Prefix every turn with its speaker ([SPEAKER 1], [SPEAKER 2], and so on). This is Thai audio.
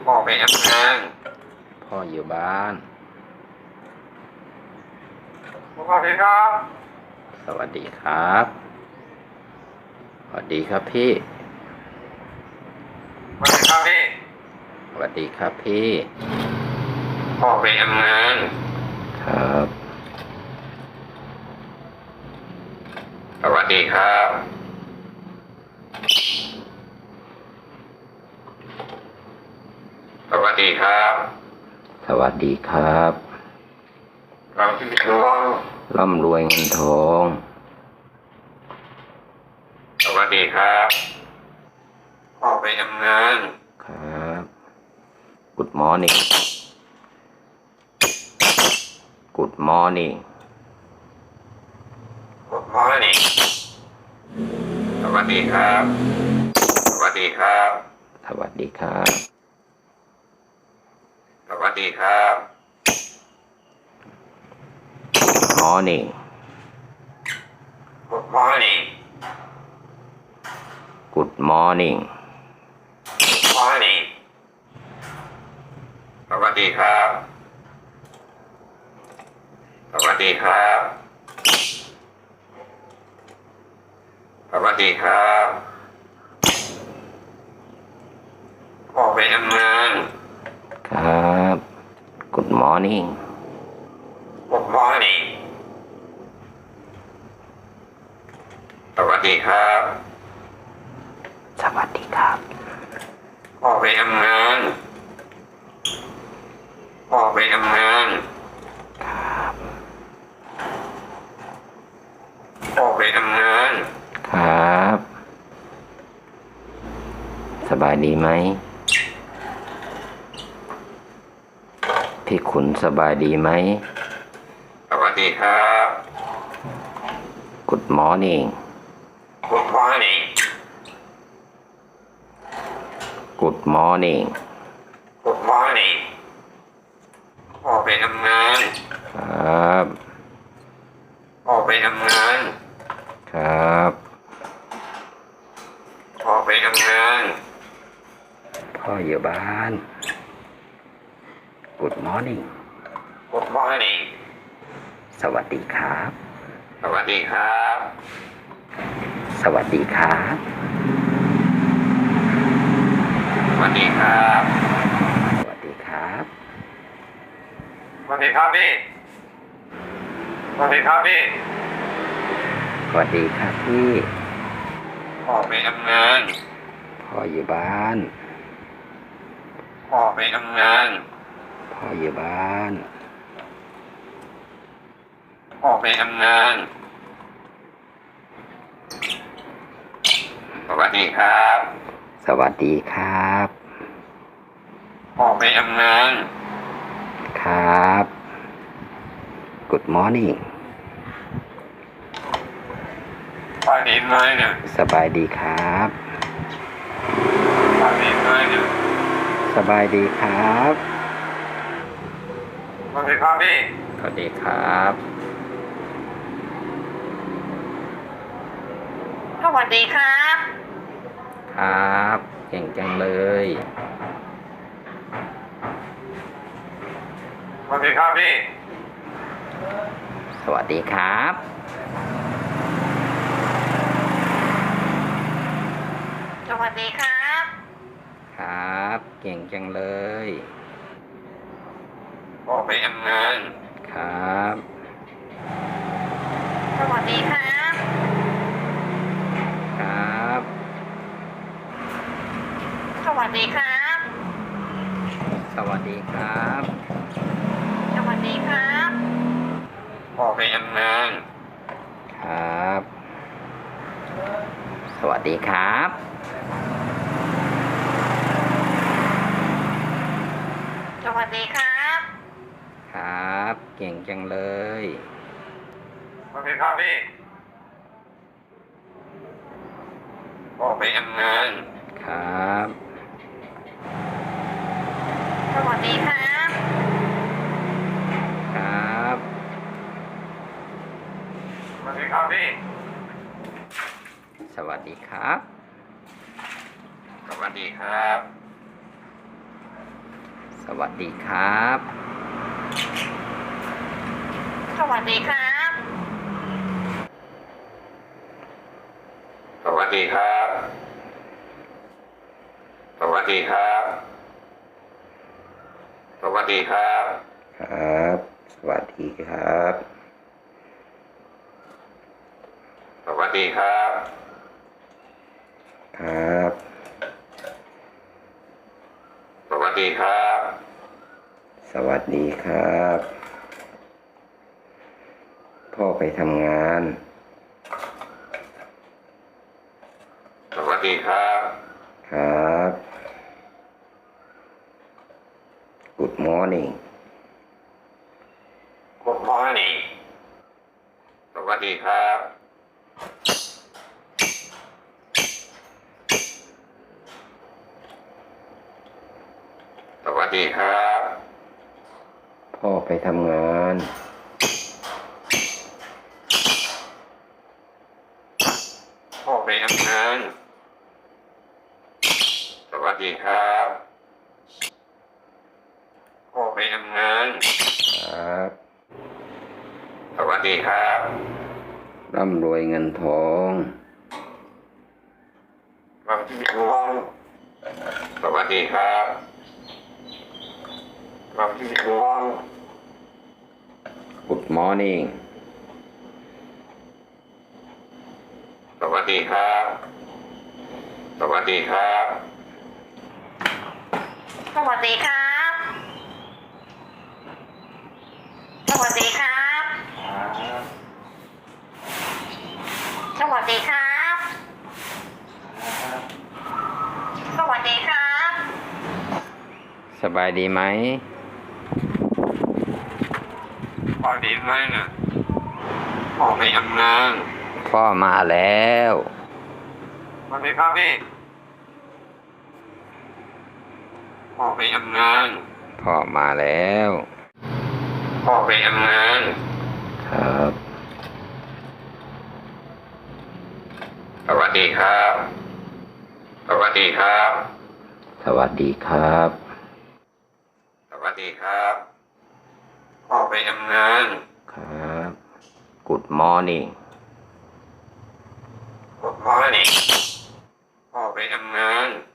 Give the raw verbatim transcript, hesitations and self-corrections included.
[SPEAKER 1] พ่อไปทำงาน
[SPEAKER 2] พ่ออยู่บ้าน
[SPEAKER 1] สวัสดีครับ
[SPEAKER 2] สวัสดีครับสวัสดีครับพี่
[SPEAKER 1] สวัสดีครับพี่
[SPEAKER 2] สวัสดีครับพี่
[SPEAKER 1] พ่อไปทำงาน
[SPEAKER 2] ครับ
[SPEAKER 1] สวัสดีครับสวัสดีครับ
[SPEAKER 2] สวัสดีครับ
[SPEAKER 1] เราที่ทอง
[SPEAKER 2] ร่ำรวยเงินทอง
[SPEAKER 1] สวัสดีครับพ่อไปทำงาน
[SPEAKER 2] ครับ Good morning Good morning
[SPEAKER 1] Good morning สวัสดีครับสวัสดีครับ
[SPEAKER 2] สวัสดีครับ
[SPEAKER 1] สวัสดีครับ
[SPEAKER 2] Morning
[SPEAKER 1] Good morning
[SPEAKER 2] Good morning
[SPEAKER 1] morning สวัสดีครับสวัสดีครับสวัสดีครับพ่อไปทำงาน
[SPEAKER 2] ครับ Good morning
[SPEAKER 1] Good morning สวัสดีครับ
[SPEAKER 2] สวัสดีครับ
[SPEAKER 1] พ่อไปทำงานพ่อไปทำงาน
[SPEAKER 2] ครับ
[SPEAKER 1] พ่อไปทำงาน
[SPEAKER 2] ครับสบายดีไหมพี่ขุนสบายดีไหม
[SPEAKER 1] สวัสดีครับ
[SPEAKER 2] Good morning
[SPEAKER 1] Good morning
[SPEAKER 2] Good morning
[SPEAKER 1] Good morning พ่อไปทำงาน
[SPEAKER 2] ครับ
[SPEAKER 1] พ่อไปทำงาน
[SPEAKER 2] ครับ
[SPEAKER 1] พ่อไปทำงาน
[SPEAKER 2] พ่ออยู่บ้าน Good morning
[SPEAKER 1] Good morning
[SPEAKER 2] สวัสดีครับ
[SPEAKER 1] สวัสดีครับ
[SPEAKER 2] สวัสดีครับ
[SPEAKER 1] สวัสดีครับ
[SPEAKER 2] สวัสดีครับ
[SPEAKER 1] สวัสดีครับพี่สวัสดีครับพี่
[SPEAKER 2] สวัสดีครับพี่
[SPEAKER 1] พ่อไปทำงาน
[SPEAKER 2] พ่ออยู่บ้าน
[SPEAKER 1] พ่อไปทำงาน
[SPEAKER 2] พ่ออยู่บ้าน
[SPEAKER 1] พ่อไปทำงานสวัสดีครับ
[SPEAKER 2] สวัสดีครับ
[SPEAKER 1] พ่อไปทำงาน
[SPEAKER 2] ครับ Good morning
[SPEAKER 1] ไปดีไหมเนี่ย
[SPEAKER 2] สบายดีครับ
[SPEAKER 1] ไปดีไหมเนี่ย
[SPEAKER 2] สบายดีครับ
[SPEAKER 1] สวัสดีครับพี่
[SPEAKER 2] สวัสดีครับ
[SPEAKER 1] สวัสดีครับ
[SPEAKER 2] ครับเก่งจังเลย
[SPEAKER 1] สวัสดีครับพี่
[SPEAKER 2] สวัสดีครับ
[SPEAKER 1] สวัสดีครับ
[SPEAKER 2] ครับเก่งจังเลย
[SPEAKER 1] พ่อไปทำงาน
[SPEAKER 2] ครับ
[SPEAKER 1] สวัสดีครับ
[SPEAKER 2] ครับ
[SPEAKER 1] สวัสดีครับ
[SPEAKER 2] สวัสดีครับ
[SPEAKER 1] สวัสดีครับพ่อไปทำงาน
[SPEAKER 2] ครับ สวัสดีครับ
[SPEAKER 1] สวัสดีครับ
[SPEAKER 2] ครับเก่งจังเลย
[SPEAKER 1] สวัสดีครับพี่พ่อไปทำงาน
[SPEAKER 2] ครับ
[SPEAKER 1] สวัสดีครับ
[SPEAKER 2] ครับ
[SPEAKER 1] สวัสดีครับพี่
[SPEAKER 2] สวัสดีครับ
[SPEAKER 1] สวัสดีครับ
[SPEAKER 2] สวัสดีครับ
[SPEAKER 3] สวัสดีครับ
[SPEAKER 1] สวัสดีครับ สวัสดีครับ สวัสดีครับ
[SPEAKER 2] ครับ สวัสดีครับ
[SPEAKER 1] สวัสดีครับ
[SPEAKER 2] ครับ
[SPEAKER 1] สวัสดีครับ
[SPEAKER 2] สวัสดีครับ พ่อไปทำงาน
[SPEAKER 1] สวัสดีครับ
[SPEAKER 2] ครับ Good morning
[SPEAKER 1] Good morning สวัสดีครับ สวัสดีครับ
[SPEAKER 2] พ่อไปทำงาน
[SPEAKER 1] พ่อไปทำงาน สวัสดีครับ พ่อไปทำงาน
[SPEAKER 2] ครับ
[SPEAKER 1] สวัสดีครับ
[SPEAKER 2] ร่ำรวยเงินทอง
[SPEAKER 1] สวัสดีครับสวัสดีครับ สวัสดีครับ
[SPEAKER 2] Good morning
[SPEAKER 1] สวัสดีครับ สวัสดีครับ
[SPEAKER 3] สวัสดีครับ สวัสดีครับ สวัสดีครับ สวัสดีครับ
[SPEAKER 2] สบายดีไหม
[SPEAKER 1] พ่อดีไหมนะพ่อไปทำงาน
[SPEAKER 2] พ่อมาแล้ว
[SPEAKER 1] สวัสดีครับพี่พ่อไปทำงาน
[SPEAKER 2] พ่อมาแล้ว
[SPEAKER 1] พ่อไปทำงาน
[SPEAKER 2] ครับ
[SPEAKER 1] สวัสดีครับ สวัสดีครับ
[SPEAKER 2] สวัสดีครับ
[SPEAKER 1] สวัสดีครับ พ่อไปทำงาน
[SPEAKER 2] ครับ Good morning
[SPEAKER 1] Good morning พ่อไปทำงาน